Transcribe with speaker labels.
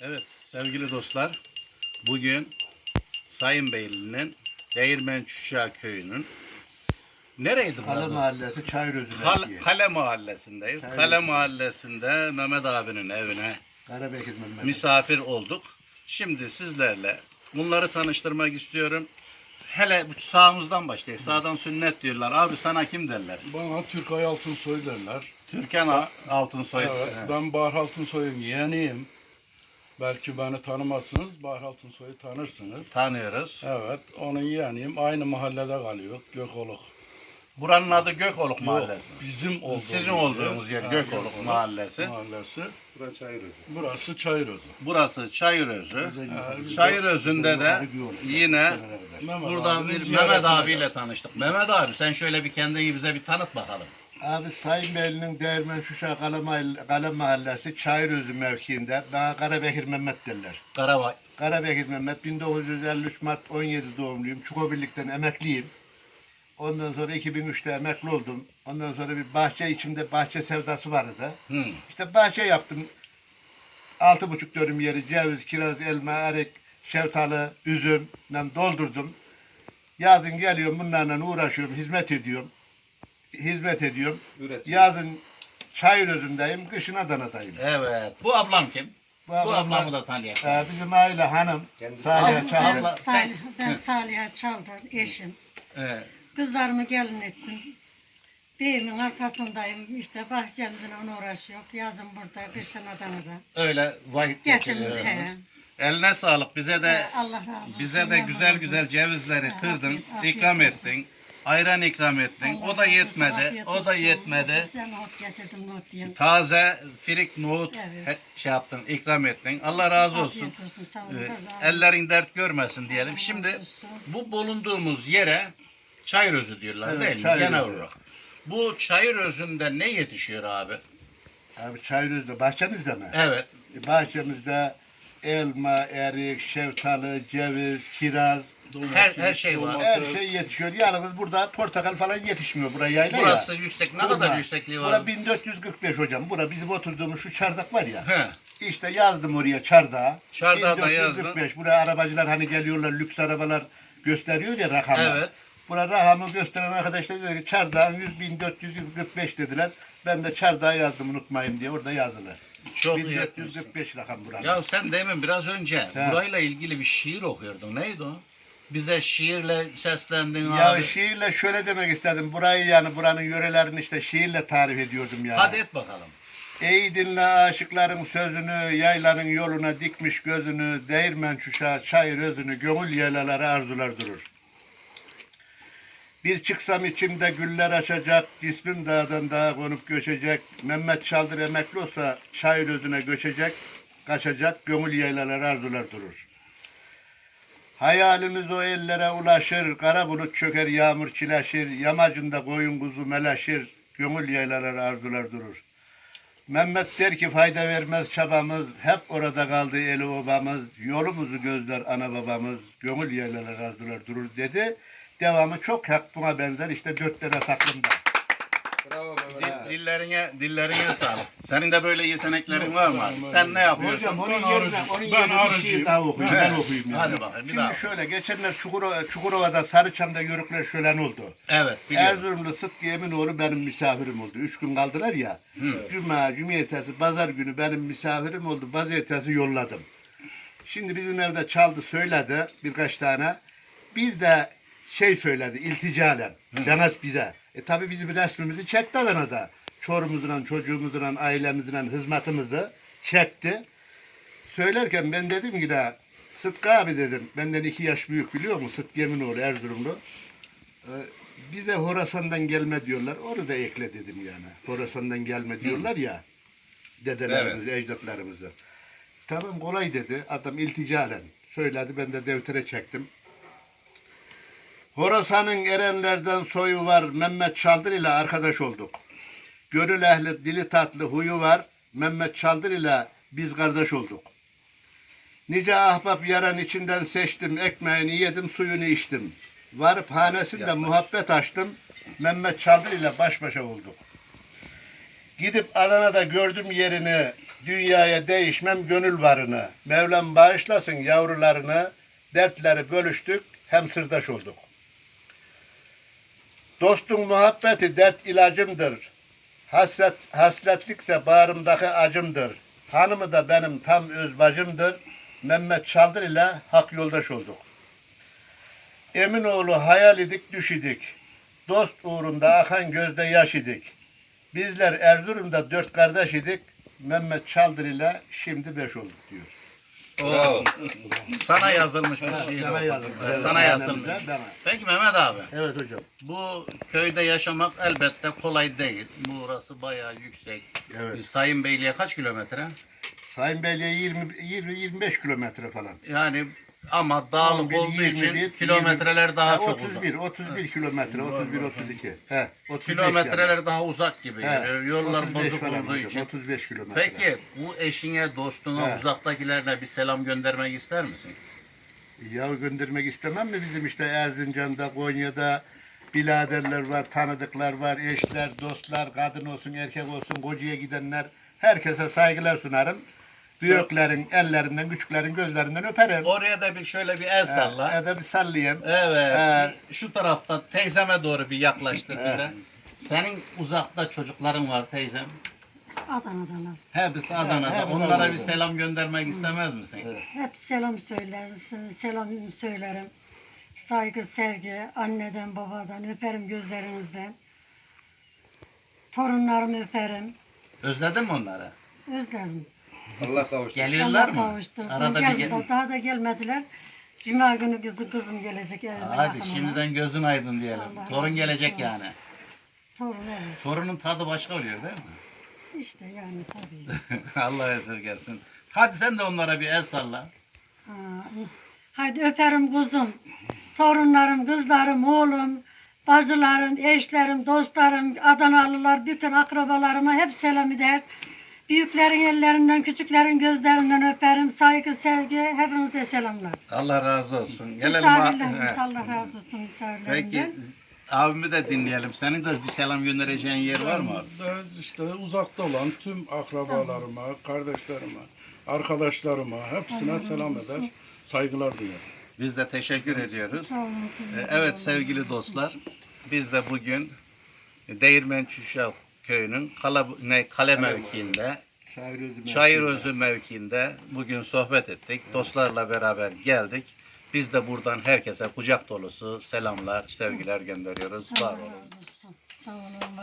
Speaker 1: Evet sevgili dostlar, bugün Sayınbeyli'nin Değirmen Çuşağı köyünün nereydi
Speaker 2: Kale
Speaker 1: burası?
Speaker 2: Mahallesi Çayırözü
Speaker 1: Kale Mahallesi'ndeyiz. Kale Mahallesi'nde Mehmet abinin evine
Speaker 2: Karabekir Mehmet.
Speaker 1: misafir olduk. Şimdi sizlerle bunları tanıştırmak istiyorum. Hele bu sağımızdan başlayalım. Sağdan sünnet diyorlar. Abi sana kim derler?
Speaker 3: Bana Türkay Altınsoy derler.
Speaker 1: Türkan Altınsoy.
Speaker 3: Evet, ben Bahar Altınsoy'un yeğeniyim. Belki beni tanımazsınız, Bahar Altınsoy'u tanırsınız.
Speaker 1: Tanıyoruz.
Speaker 3: Evet, onun yeğeniyim. Aynı mahallede kalıyor, Gökoluk.
Speaker 1: Buranın adı Gökoluk Mahallesi.
Speaker 3: Bizim olduğumuz
Speaker 1: Sizin olduğunuz yer Gökoluk Mahallesi.
Speaker 3: Burası Çayırözü.
Speaker 1: Burası Çayırözü. Çayırözü'nde de yine burada bir Mehmet abiyle tanıştık. Mehmet abi sen şöyle bir kendini bize bir tanıt bakalım.
Speaker 2: Abi Sayınbeyli'nin Değirmen Çuşağı Kale Mahallesi Çayırözü mevkiinde bana Karabekir Mehmet derler.
Speaker 1: Karabay.
Speaker 2: Karabekir Mehmet 1953 Mart 17 doğumluyum. Çukobirlik'ten emekliyim. Ondan sonra 2003'te emekli oldum. Ondan sonra bir bahçe içimde bahçe sevdası vardı. İşte bahçe yaptım. 6,5 dönüm yeri ceviz, kiraz, elma, erik, şeftali, üzümle doldurdum. Yazın geliyorum bunlarla uğraşıyorum, hizmet ediyorum. Yazın Çayırözü'ndeyim, kışın Adana'dayım.
Speaker 1: Evet. Bu ablam kim? Bu ablamı da tanıyalım.
Speaker 2: Bizim aile hanım, Salih Çağlar.
Speaker 1: Abla,
Speaker 4: Ben Salih'e Çaldar, eşim.
Speaker 1: Evet.
Speaker 4: Kızlarımı gelin ettim. Beyimin arkasındayım. İşte bahçemizle onu uğraşıyor. Yazın burada, kışın Adana'da.
Speaker 1: Öyle vakit
Speaker 4: Geçimiz
Speaker 1: geçiriyor.
Speaker 4: he.
Speaker 1: Eline sağlık. Bize de
Speaker 4: Allah razı olsun.
Speaker 1: bize de güzel güzel cevizleri tırdın, ikram ettin. Ayran ikram ettin. O da yetmedi. O da yetmedi.
Speaker 4: Sen not getirdim, not yiyin.
Speaker 1: Taze firik nohut
Speaker 4: Evet.
Speaker 1: şey yaptın, ikram ettin. Allah razı olsun.
Speaker 4: Afiyet olsun, sağ olun.
Speaker 1: Ellerin dert görmesin diyelim. Şimdi
Speaker 4: razı olsun.
Speaker 1: bu bulunduğumuz yere Çayırözü diyorlar
Speaker 2: Evet,
Speaker 1: değil mi?
Speaker 2: Çayırözü.
Speaker 1: Genel olarak. Bu Çayırözü'nde ne yetişiyor abi?
Speaker 2: Abi Çayırözü'de, bahçemizde mi?
Speaker 1: Evet.
Speaker 2: Bahçemizde elma, erik, şeftali, ceviz, kiraz,
Speaker 1: Her şey var.
Speaker 2: her şey yetişiyor. Yalnız burada portakal falan yetişmiyor. Buraya yayla
Speaker 1: Burası
Speaker 2: ya.
Speaker 1: yüksek. Ne kadar yüksekliği var?
Speaker 2: Bura 1445 hocam. Bura bizim oturduğumuz şu çardak var ya.
Speaker 1: He.
Speaker 2: İşte yazdım oraya çardağa.
Speaker 1: Çardağa da yazdın.
Speaker 2: 1445. Buraya arabacılar hani geliyorlar, lüks arabalar gösteriyor ya rakamı.
Speaker 1: Evet.
Speaker 2: Bura rakamı gösteren arkadaşlar dedi ki çardağın 100.445 dediler. Ben de çardağa yazdım unutmayayım diye orada yazdılar.
Speaker 1: Çok iyi.
Speaker 2: 1445 rakam buranın.
Speaker 1: Ya sen demin biraz önce
Speaker 2: He.
Speaker 1: burayla ilgili bir şiir okuyordun. Neydi o? Bize şiirle seslendin
Speaker 2: Ya
Speaker 1: abi.
Speaker 2: şiirle şöyle demek istedim. Burayı yani buranın yörelerini işte şiirle tarif ediyordum yani.
Speaker 1: Hadi et bakalım.
Speaker 2: Ey dinle aşıkların sözünü, yaylanın yoluna dikmiş gözünü, değirmen çuşağı çayır özünü, gönül yaylaları arzular durur. Bir çıksam içimde güller açacak, cismim dağdan dağa konup göçecek, Mehmet Çaldır emekli olsa çayır özüne göçecek, kaçacak, gönül yaylaları arzular durur. Hayalimiz o ellere ulaşır, kara bulut çöker, yağmur çileşir, yamacında koyun kuzu meleşir, gönül yaylaları arzular durur. Mehmet der ki fayda vermez çabamız, hep orada kaldı eli obamız, yolumuzu gözler ana babamız, gönül yaylaları arzular durur dedi. Devamı çok hak buna benzer işte 4 tane taklımda.
Speaker 3: Bravo
Speaker 1: Dillerine sağlık. Senin de böyle yeteneklerin var mı? Sen ne yapıyorsun?
Speaker 2: Hocam onun yerine bir şey daha okuyayım. Ben okuyayım yani.
Speaker 1: Hadi bakayım, bir daha.
Speaker 2: Şimdi şöyle geçenler Çukurova'da Sarıçam'da yörükler şölen oldu.
Speaker 1: Evet biliyorum.
Speaker 2: Erzurumlu Sıtkı Eminoğlu benim misafirim oldu. 3 gün kaldılar ya. Cumartesi, pazar günü benim misafirim oldu. Pazartesi yolladım. Şimdi bizim evde çaldı söyledi birkaç tane. Bir de şey söyledi ilticalen. Demet bize. Tabi bizim resmimizi çekti Adana'da. Çorumuzla, çocuğumuzla, ailemizle hizmetimizi çekti. Söylerken ben dedim ki de Sıtkı abi dedim. Benden 2 yaş büyük biliyor musun? Sıtkı Eminoğlu Erzurumlu. Bize Horasan'dan gelme diyorlar. Onu da ekle dedim yani. Horasan'dan gelme diyorlar ya. Dedelerimiz, ecdatlarımızı. Tamam kolay dedi. Adam ilticalen söyledi. Ben de deftere çektim. Horasan'ın erenlerden soyu var. Mehmet Çaldır ile arkadaş olduk. Gönül ehli, dili tatlı huyu var. Mehmet Çaldır ile biz kardeş olduk. Nice ahbap yaran içinden seçtim. Ekmeğini yedim, suyunu içtim. Varıp hanesinde muhabbet açtım. Mehmet Çaldır ile baş başa olduk. Gidip Adana'da gördüm yerini. Dünyaya değişmem gönül varını. Mevlam bağışlasın yavrularını. Dertleri bölüştük, hem sırdaş olduk. Dostun muhabbeti dert ilacımdır. Hasretlikse bağrımdaki acımdır. Hanımı da benim tam öz bacımdır. Mehmet Çaldır ile hak yoldaş olduk. Eminoğlu hayal idik düş idik. Dost uğrunda akan gözde yaş idik. Bizler Erzurum'da 4 kardeş idik. Mehmet Çaldır ile şimdi 5 olduk diyor.
Speaker 1: Oo. Sana yazılmış bir şiir.
Speaker 2: Sana
Speaker 1: o.
Speaker 2: yazılmış.
Speaker 1: Evet, sana yazılmış.
Speaker 2: Bana.
Speaker 1: Peki Mehmet abi,
Speaker 2: Evet hocam.
Speaker 1: bu köyde yaşamak elbette kolay değil. Burası bayağı yüksek.
Speaker 2: Evet.
Speaker 1: Sayın Beyliğe kaç kilometre?
Speaker 2: Sayın Beyliğe 20-25 kilometre falan.
Speaker 1: Yani ama dağlık
Speaker 2: 11,
Speaker 1: olduğu
Speaker 2: 21,
Speaker 1: için kilometreler daha çok uzak.
Speaker 2: 31 kilometre, 31-32. He, 35
Speaker 1: Kilometreler
Speaker 2: yani.
Speaker 1: daha uzak gibi
Speaker 2: He,
Speaker 1: geliyor. Yollar
Speaker 2: 35
Speaker 1: bozuk
Speaker 2: falan
Speaker 1: olduğu
Speaker 2: hocam,
Speaker 1: için.
Speaker 2: 35 kilometre.
Speaker 1: Peki bu eşine, dostuna,
Speaker 2: He.
Speaker 1: uzaktakilerine bir selam göndermek ister misin?
Speaker 2: Ya göndermek istemem mi bizim işte Erzincan'da, Konya'da biraderler var, tanıdıklar var, eşler, dostlar, kadın olsun, erkek olsun, kocaya gidenler. Herkese saygılar sunarım. Büyüklerin ellerinden, küçüklerin gözlerinden öperim.
Speaker 1: Oraya da bir şöyle bir el salla.
Speaker 2: Ya da bir sallayayım.
Speaker 1: Evet. Şu tarafta teyzeme doğru bir yaklaştır bize. Senin uzakta çocukların var teyzem.
Speaker 4: Adana'dalar.
Speaker 1: Hepsi Adana'da.
Speaker 2: hepsi
Speaker 1: Onlara
Speaker 2: Adana'da.
Speaker 1: bir selam göndermek istemez misin?
Speaker 4: Hep selam söylersin, selam söylerim. Saygı, sevgi, anneden, babadan öperim gözlerinizden. Torunlarımı öperim.
Speaker 1: Özledin mi onları?
Speaker 4: Özlerim.
Speaker 2: Allah kavuştur.
Speaker 1: Geliyorlar
Speaker 4: Allah
Speaker 1: mı?
Speaker 4: kavuştursun.
Speaker 1: Arada bir gel.
Speaker 4: Daha da gelmediler. Cuma günü kızım gelecek evime
Speaker 1: Hadi
Speaker 4: yakın ona.
Speaker 1: şimdiden gözün aydın diyelim.
Speaker 4: Allah
Speaker 1: Torun
Speaker 4: razı
Speaker 1: gelecek
Speaker 4: olsun.
Speaker 1: yani.
Speaker 4: Torun evet.
Speaker 1: Torunun tadı başka oluyor değil mi?
Speaker 4: İşte yani tabii.
Speaker 1: Allah esirgesin. Hadi sen de onlara bir el salla.
Speaker 4: Ha, hadi öperim kuzum. Torunlarım, kızlarım, oğlum, bacılarım, eşlerim, dostlarım, Adanalılar, bütün akrabalarıma hep selam eder. Büyüklerin ellerinden, küçüklerin gözlerinden öperim. Saygı, sevgi, hepinize selamlar.
Speaker 1: Allah razı olsun. Gelelim.
Speaker 4: Misafirlerimiz Allah razı olsun misafirlerimden.
Speaker 1: Peki abimi de dinleyelim. Senin de bir selam göndereceğin yer var mı abi?
Speaker 3: Ben işte uzakta olan tüm akrabalarıma, kardeşlerime, arkadaşlarıma hepsine selam eder, saygılar duyarım.
Speaker 1: Biz de teşekkür ediyoruz.
Speaker 4: Sağ olun siz de.
Speaker 1: Evet sevgili dostlar, biz de bugün Değirmen Çuşak köyünün kale mevkiinde, Çayırözü mevkiinde bugün sohbet ettik. Dostlarla beraber geldik. Biz de buradan herkese kucak dolusu selamlar, sevgiler gönderiyoruz. Var
Speaker 4: Allah
Speaker 1: olun.
Speaker 4: razı olsun. Sağ olun.